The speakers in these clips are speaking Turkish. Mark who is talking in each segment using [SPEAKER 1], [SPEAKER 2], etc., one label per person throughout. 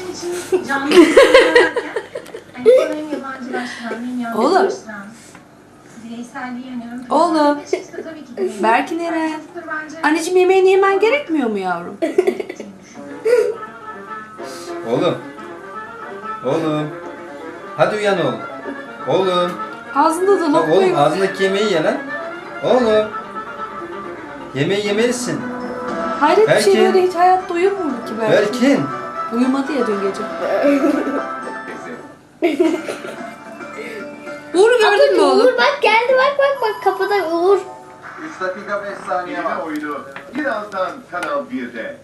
[SPEAKER 1] bizim için canlı yaparken hani hem yabancılaştıran hem yabancılaştıran bireyselliği yanıyorum.
[SPEAKER 2] Oğlum.
[SPEAKER 1] Tabii ki de.
[SPEAKER 2] Berkin Eren. Anneciğim yemeğini yemen gerekmiyor mu yavrum?
[SPEAKER 3] Oğlum. Oğlum. Hadi uyan oğlum. Oğlum.
[SPEAKER 2] Ağzında da
[SPEAKER 3] Bak
[SPEAKER 2] lokma
[SPEAKER 3] oğlum
[SPEAKER 2] yok.
[SPEAKER 3] ağzındaki yemeği ye lan. Oğlum. Yemeği yemelisin.
[SPEAKER 2] Hayret bir şey,
[SPEAKER 3] Berkin.
[SPEAKER 2] böyle hiç hayatta uyur mu ki Berkin?
[SPEAKER 3] Berkin.
[SPEAKER 2] Uyumadı ya dün gece. Uğur gördün mü oğlum?
[SPEAKER 4] Uğur bak geldi, bak kapıda Uğur.
[SPEAKER 5] 3 dakika 5 saniye var. Oyunu birazdan Kanal 1'de.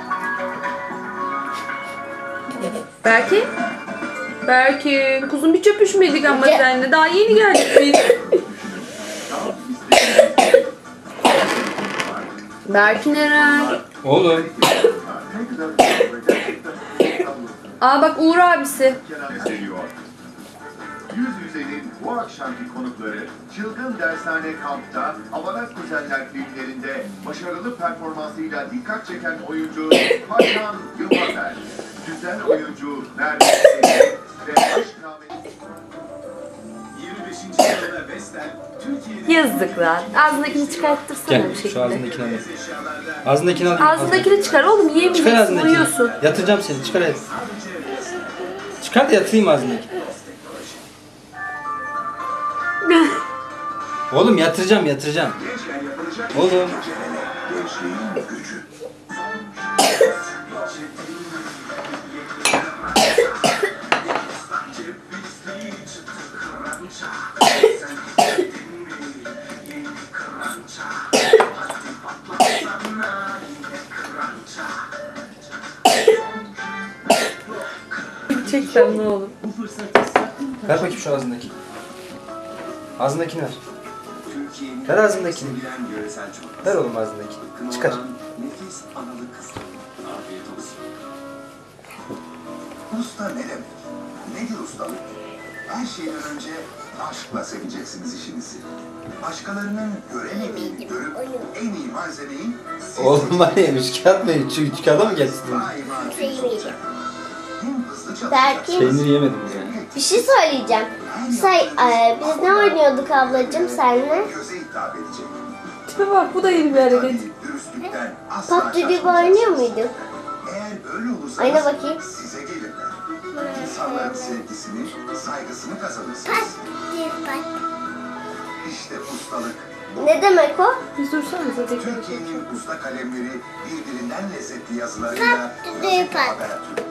[SPEAKER 2] Berkin? Berkin, kuzum bir çöpüşmedik ama seninle. Daha yeni geldik biz. Berkin Eren.
[SPEAKER 3] Oğlum.
[SPEAKER 2] Aa bak Uğur abisi.
[SPEAKER 5] Seviyor. Yüz yüzeyin bu akşamki konukları Çılgın Dershane Kamp'ta Avanak Kuzenler filmlerinde başarılı performansıyla dikkat çeken oyuncu Hakan Yılmazer, güzel oyuncu Nermin Seri ve aşk namesi 25. yılda Vestel Türkiye'nin
[SPEAKER 2] Yazık lan. Ağzındakini çıkarttırsana
[SPEAKER 3] Gel
[SPEAKER 2] bir
[SPEAKER 3] şu
[SPEAKER 2] şekilde.
[SPEAKER 3] ağzındakini al. Ağzındakini al.
[SPEAKER 2] Ağzındakini çıkar oğlum,
[SPEAKER 3] Çıkar
[SPEAKER 2] yiyemeyeceksin,
[SPEAKER 3] ağzındakini.
[SPEAKER 2] uyuyorsun.
[SPEAKER 3] Yatıracağım seni. Çıkar hadi. Çıkar da yatırayım ağzındaki. Oğlum yatıracağım. Oğlum.
[SPEAKER 2] Çeksen ne olur.
[SPEAKER 3] Ver bakayım şu ağzındaki. Ağzındakini ver. Ver ağzındakini. Ver oğlum ağzındakini. Çıkar.
[SPEAKER 5] nefis analı kız. Afiyet olsun. Usta ne demek? Nedir ustalık? Her şeyden önce aşkla seveceksiniz işinizi. Başkalarının göremediğini görüp en iyi malzemeyi siz
[SPEAKER 3] Oğlum var ya üç kağıt mı? Üç kağıda mı getirdin?
[SPEAKER 5] daima temiz olacak. Hem hızlı
[SPEAKER 4] Berkin.
[SPEAKER 5] çalışacak.
[SPEAKER 3] Peyniri yemedim ya.
[SPEAKER 4] Bir şey söyleyeceğim. Biz ne oynuyorduk ablacığım senle?
[SPEAKER 5] Göze hitap edecek.
[SPEAKER 2] Tipe bak, bu da yeni bir hareket.
[SPEAKER 5] Dürüstlükten asla
[SPEAKER 4] PUBG gibi
[SPEAKER 5] şaşmayacağız.
[SPEAKER 4] oynuyor muyduk?
[SPEAKER 5] Eğer böyle olursanız
[SPEAKER 4] Ayna bakayım.
[SPEAKER 5] size gelirler. İnsanların sevgisini, saygısını kazanırsınız. İşte ustalık.
[SPEAKER 4] Ne demek o?
[SPEAKER 2] Biz dursanıza tekrar.
[SPEAKER 5] Türkiye'nin usta kalemleri birbirinden lezzetli yazılarıyla
[SPEAKER 4] Pat,
[SPEAKER 5] Habertürk.